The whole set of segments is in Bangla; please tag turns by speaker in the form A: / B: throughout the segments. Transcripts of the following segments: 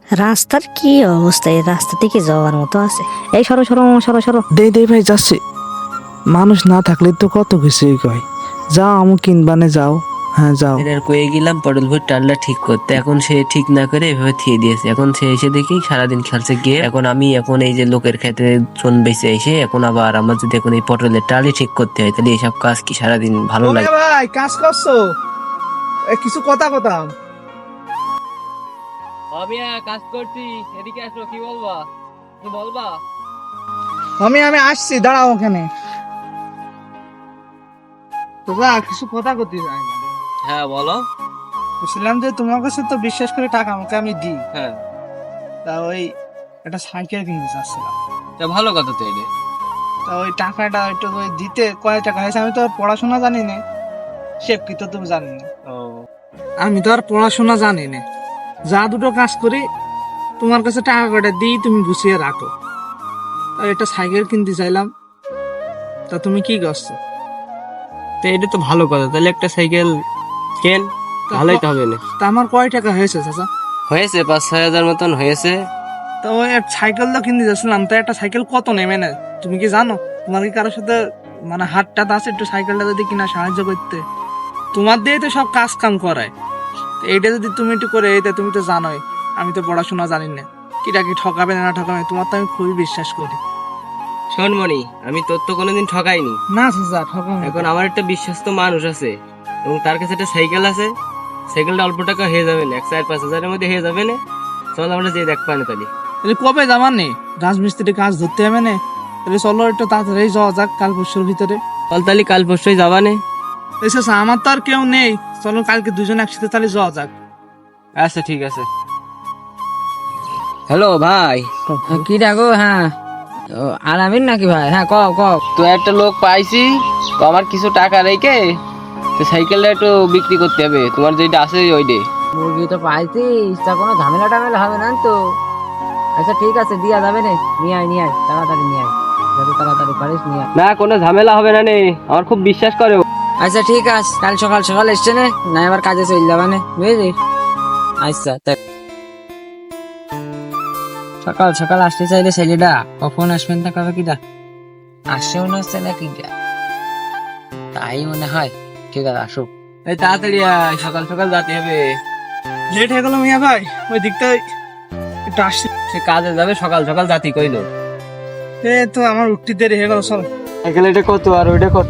A: রাস্তার কি অবস্থা? এই রাস্তা থেকে যাওয়ার মতো আছে? এই সরো সরো মামা, সরো সরো।
B: দে ভাই যাচ্ছে। মানুষ না থাকলে তো কত কিছুই কয়। যাও আমু কিনবানে যাও। হ্যাঁ যাও।
C: এর কয়ে গেলাম পটল ভুঁইয়ের টালটা ঠিক করতে, এখন সে ঠিক না করে এভাবে থিয়ে দিয়েছে। এখন সে এসে দেখি সারাদিন খেলছে গিয়ে, এখন আমি এখন এই যে লোকের খেতে চন বেঁচে এসে এখন আবার আমার যদি এখন এই পটলের টালি ঠিক করতে হয়, তাহলে এইসব কাজ কি সারাদিন ভালো লাগে?
B: ভাই কাজ করছো? কিছু কথা কথা।
D: কাজ করছি, এদিকে আসো। কি বলবা? কি বলবা?
B: আমি আসছি, দাঁড়াও ওখানে। তোরা কিছু কথা করতে চাই না।
D: হ্যাঁ বলো।
B: বুঝলাম যে তোমার কাছে তো বিশ্বাস করে টাকা আমাকে আমি দিই।
D: হ্যাঁ,
B: তা ওই একটা সাইকেল কিনতে চাচ্ছিলাম।
D: তা ভালো কথা তো এটা।
B: তা ওই টাকাটা একটু ওই দিতে কয় টাকা হয়েছে? আমি তো আর পড়াশোনা জানি না, শেপ কি তো তুমি জানি না।
D: ও,
B: আমি তো আর পড়াশোনা জানি না, যা দুটো কাজ করি তোমার কাছে টাকা কটা দিই, তুমি গুছিয়ে রাখো। তা একটা সাইকেল কিনতে চাইলাম, তা তুমি কি করছো?
D: তো এটা তো ভালো কথা। তাহলে একটা সাইকেল কেন, ভালোই তো হবে না?
B: তা আমার কয় টাকা হয়েছে চাচা?
D: হয়েছে 5-6 হাজার মতন হয়েছে।
B: তো ওই এক সাইকেল তো কিনতে যাচ্ছিলাম, তো একটা সাইকেল কত নেমে না তুমি কি জানো? তোমার কি কারোর সাথে মানে হাতটা আছে একটু সাইকেলটা যদি কিনা সাহায্য করতে? তোমার দিয়ে তো সব কাজ কাম করায়, তো এইটা যদি তুমি একটু করে এইটা, তুমি তো জানোই আমি তো পড়াশোনা জানি না, কিটা কি ঠকাবে না ঠকাবে, তোমার তো আমি খুবই বিশ্বাস করি।
D: শোন মনি, আমি তোর তো কোনোদিন ঠকাইনি।
B: না চাচা ঠকাবে।
D: এখন আমার একটা বিশ্বস্ত মানুষ আছে এবং তার কাছে একটা সাইকেল আছে। সাইকেলটা অল্প টাকা হয়ে যাবে না, 4-5 হাজারের মধ্যে হয়ে যাবে না। চল আমরা যে দেখ পানি তাহলে।
B: তাহলে কবে যাবার নেই? রাজমিস্ত্রি কাজ ধরতে হবে না, তাহলে চলো একটু তাড়াতাড়ি যাওয়া যাক কাল পরশুর ভিতরে।
D: চল তাহলে কাল পরশুই যাবা নে।
B: এসে আমার তো আর কেউ নেই, চলো কালকে দুজন একসাথে তাহলে যাওয়া যাক।
D: আচ্ছা ঠিক আছে। হ্যালো ভাই,
E: কি ডাকো? হ্যাঁ, আলামিন নাকি ভাই? হ্যাঁ কও কও।
D: তো একটা লোক পাইছি, তো আমার কিছু টাকা রেখে তো সাইকেলটা একটু বিক্রি করতে হবে। তোমার যেটা আছে ওইটা।
E: মুরগি তো পাইছিস, তা কোনো ঝামেলা টামেলা হবে না তো? আচ্ছা ঠিক আছে, দিয়া যাবে নে। নিয়ে আয় তাড়াতাড়ি নিয়ে আয়, যত তাড়াতাড়ি পারিস নিয়ে আয়।
D: না, কোনো ঝামেলা হবে না নে, আমার খুব বিশ্বাস করে।
E: আচ্ছা ঠিক আছে, কাল সকাল সকাল এসছে নে, না এবার কাজে চলে যাবা নে, বুঝলি? আচ্ছা সকাল সকাল আসতে চাইলে ছেলেটা কখন আসবেন তা কবে কিটা আসছে মনে হচ্ছে না কিটা, তাই মনে হয়। ঠিক আছে আসুক।
D: এই তাড়াতাড়ি আয়, সকাল সকাল যেতে হবে।
B: লেট হয়ে গেল মিয়া ভাই, ওই দিকটা একটু আসছি।
D: সে কাজে যাবে, সকাল সকাল জাতি কইলো।
B: তো আমার উঠতে দেরি হয়ে গেল, চল।
D: সাইকেল এটা কত আর ওইটা কত?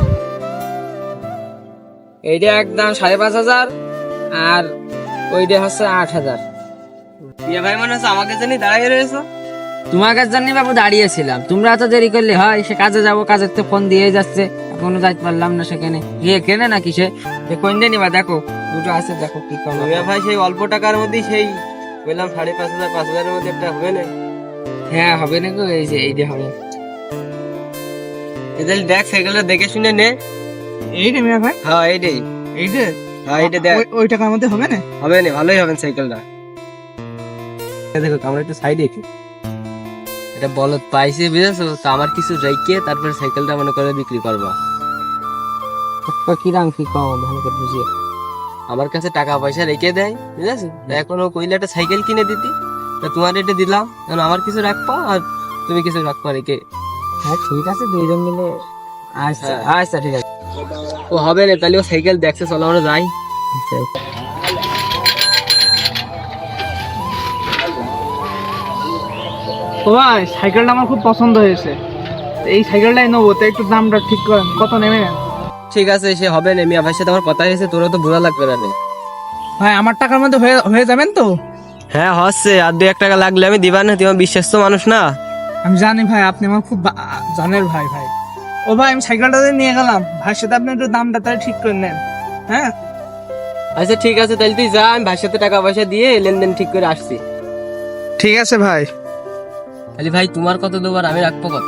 E: এইটা একদম 5,500 আর ওইটা হচ্ছে 8,000।
D: বিয়ে ভাই মনে হচ্ছে আমাকে জানি দাঁড়াই রয়েছো।
E: তোমার কাছে জানি বাবু দাঁড়িয়েছিলাম, তোমরা তো দেরি করলে হয়। সে কাজে যাবো, কাজের তো ফোন দিয়ে যাচ্ছে, এখনো যাইতে পারলাম না সেখানে। গিয়ে কেনে নাকি সে কোন দিয়ে নিবা? দেখো দুটো আছে, দেখো কি কম।
D: বিয়ে ভাই সেই অল্প টাকার মধ্যে সেই বললাম 5,500 5,000-এর মধ্যে একটা হবে না?
E: হ্যাঁ হবে না গো, এই যে এইটা হবে।
D: এদের দেখ সাইকেলটা দেখে শুনে নে।
B: এই রে মিয়া ভাই,
D: হ্যাঁ এইটাই,
B: এই রে।
D: হ্যাঁ এইটা দেখ।
B: ওই টাকার মধ্যে হবে না?
D: হবে না, ভালোই হবে সাইকেলটা। দেখো আমরা একটু সাইডে এটা বলদ পাইছে, বুঝেছো তো? আমার কিছু রেখে তারপরে সাইকেলটা মনে করে বিক্রি করবো।
E: কি রাং কি কম ভালো করে বুঝিয়ে।
D: আমার কাছে টাকা পয়সা রেখে দেয়, বুঝেছো? এখন ও কইলে একটা সাইকেল কিনে দিতি, তা তোমার এটা দিলাম। এখন আমার কিছু রাখবা আর তুমি কিছু রাখবা রেখে।
E: হ্যাঁ ঠিক আছে, দুইজন মিলে। আচ্ছা আচ্ছা ঠিক আছে।
D: ও হবে না, তাহলে ও সাইকেল দেখছে, চলো আমরা যাই।
B: ও ভাই, সাইকেলটা আমার খুব পছন্দ হয়েছে, তো এই সাইকেলটাই নেবো, তো একটু দামটা ঠিক করেন, কত নেবে?
D: ঠিক আছে, সে হবে না। মিয়া ভাইয়ের সাথে আমার কথা হয়েছে, তোরা তো বোঝা লাগবে না রে।
B: ভাই আমার টাকার মধ্যে হয়ে যাবেন তো?
D: হ্যাঁ হচ্ছে, আর 2-1 টাকা লাগলে আমি দিবা না? তোমার বিশ্বাস্ত মানুষ না?
B: আমি জানি ভাই, আপনি আমার খুব জানের ভাই। ভাই ও ভাই, আমি সাইকেলটা নিয়ে গেলাম, ভাইয়ের সাথে আপনি একটু দামটা তাহলে ঠিক করে নেন। হ্যাঁ
D: আচ্ছা ঠিক আছে, তাহলে তুই যা, আমি ভাইয়ের সাথে টাকা পয়সা দিয়ে লেনদেন ঠিক করে আসছি।
B: ঠিক আছে ভাই।
D: তাহলে ভাই তোমার কত দেবো আর আমি রাখবো কত?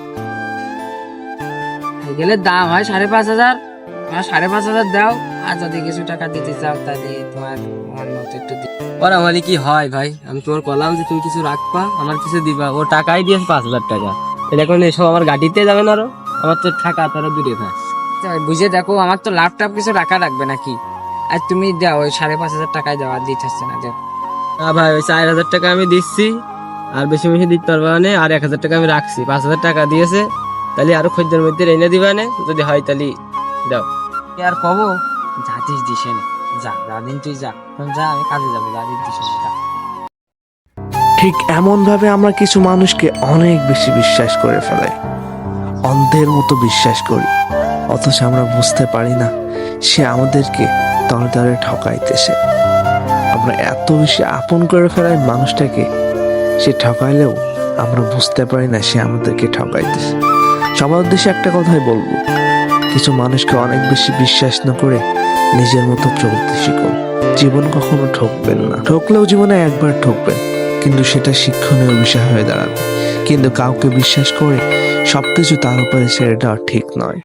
E: সাইকেলের দাম হয় 5,500, আমার 5,500 দাও। আর যদি কিছু টাকা দিতে চাও তাহলে তোমার মন মতো একটু
D: আর আমারই কি হয় ভাই, আমি তোমার বললাম যে তুমি কিছু রাখবা, আমার কিছু দিবা। ও টাকাই দিয়েছে 5,000 টাকা। এখন এসব আমার গাড়িতে যাবে না? আরো আমার তো টাকা তারা দূরে থাক।
E: বুঝে দেখো, আমার তো লাভ টাভ কিছু রাখা রাখবে নাকি? আর তুমি দাও ওই 5,500 টাকায় দাও, আর দিতে হচ্ছে না, দাও।
D: না ভাই, ওই 4,000 টাকা আমি দিচ্ছি, আর বেশি বেশি দিতে পারবা না। আর 1,000 টাকা আমি রাখছি, 5,000 টাকা দিয়েছে, তাহলে আরো খদ্দের মধ্যে এনে দিবা না, যদি হয় তাহলে দাও।
E: কি আর কব, যাতিস দিছে না, যা দিন তুই যা, এখন যা, আমি কাজে যাবো, যা দিন দিছে না, যা।
F: ঠিক এমনভাবে আমরা কিছু মানুষকে অনেক বেশি বিশ্বাস করে ফেলাই, অন্ধের মতো বিশ্বাস করি, অথচ আমরা বুঝতে পারি না সে আমাদেরকে তরে তরে ঠকাইতেছে। আমরা এত বেশি আপন করে ফেলাই মানুষটাকে, সে ঠকাইলেও আমরা বুঝতে পারি না সে আমাদেরকে ঠকাইতেছে। সবার উদ্দেশ্যে একটা কথাই বলবো, কিছু মানুষকে অনেক বেশি বিশ্বাস না করে নিজের মতো চলতে শিখুন। জীবন কখনো ঠকবেন না, ঠকলেও জীবনে একবার ঠকবেন, কিন্তু সেটা শিক্ষণীয় বিষয় হয়ে দাঁড়াবে। কিন্তু কাউকে বিশ্বাস করে সবকিছু তার উপরে ছেড়ে দেওয়া ঠিক নয়।